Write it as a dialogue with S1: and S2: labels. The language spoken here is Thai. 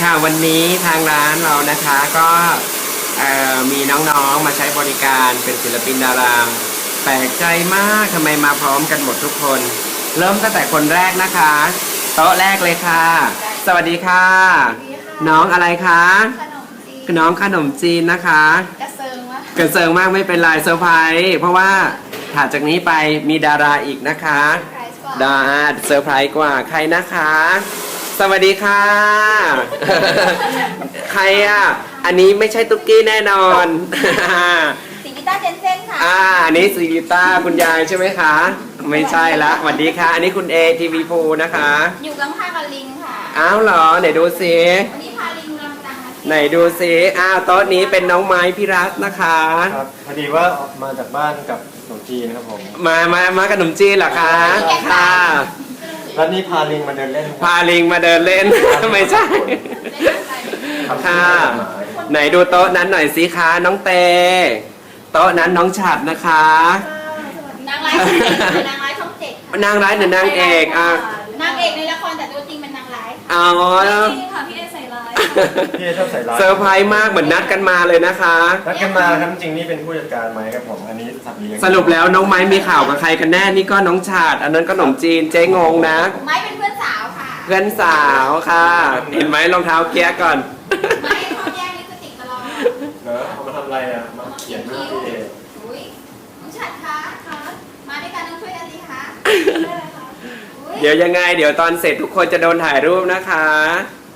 S1: ค่ะวันนี้ทางร้านเรานะคะก็มีน้องๆมาใช้บริการเป็นศิลปินดาราแปลกใจมากทำไมมาพร้อมกันหมดทุกคน เริ่มตั้งแต่คนแรกนะคะโต๊ะแรกเลยค่ะสวัสดีค่ะน้องอะไรคะน้องขนมจีนนะคะ
S2: กระเซิงวะ
S1: กระเซิงมากไม่เป็นไรเซอร์ไพรส์เพราะว่าถัดจากนี้ไปมีดาราอีกนะคะดาเซอร์ไพรส์กว่าใครนะคะสวัสดีค่ะใครอ่ะอันนี้ไม่ใช่ตุ๊กกี้แน่นอน
S2: สีกีตาร์เจนเซ่นค่ะ
S1: อันนี้สีกีตาร์คุณยายใช่ไหมคะไม่ใช่ละสวัสดีค่ะอันนี้คุณเอทีวีพูนะคะ
S2: อยู่กังพากับลิงค่ะ
S1: อ้าวเหรอไหนดูสิ
S2: วันนี้พาลิงมาจัง
S1: ไหนดูสิโต๊ะนี้เป็นน้องไม้พิรัตนะคะ
S3: ครับพอดีว่ามาจากบ้านกับขนมจีนนะครับผม
S1: มาขนมจีนเหรอคะค่ะ
S3: แล้วนี่พาลิงมาเดินเล่น
S1: พาลิงมาเดินเล่นไม่ใช่ค่ะไหนดูโต๊ะนั้นหน่อยสิคะน้องเตโต๊ะนั้นน้องฉัดนะคะ
S2: นางร้ายช่องเจ็ดนางร้ายช่องเจ็ด
S1: นางร้ายหรือนางเอก
S2: นางเอกในละครแต่ตัวจริงเป็นนางร้าย
S1: อ๋อ
S2: จริงค่ะพี่เอใส่ร้าย
S3: พี่เอชอบใส่ร้าย
S1: เซอร์ไพรส์มากเหมือนนัดกันมาเลยนะคะ
S3: นัดกันมาครับจริงนี่เป็นผู้จัดการไหมครับผมอันนี้สับเลี้ยง
S1: สรุปแล้วน้องไม้มีข่าวกับใครกันแน่นี่ก็น้องฉัดอันนั้นก็ขนมจีนเจ๊งงนะ
S2: ไม้เป็นเพื่อนสาวค่ะ
S1: เพื่อนสาวค่ะเห็นไหมรองเท้าเกียร์ก่อน
S2: ไม้ชอบแย่งลิปสติกตลอด
S3: เนอะเอามาทำอะไรอ่ะมาเขียนหน้าพี่เอ
S2: อุ้ยน้องฉัดคะมาด้วยกันต้องช่วยกันสิคะ
S1: เดี๋ยวยังไงเดี๋ยวตอนเสร็จทุกคนจะโดนถ่ายรูปนะคะ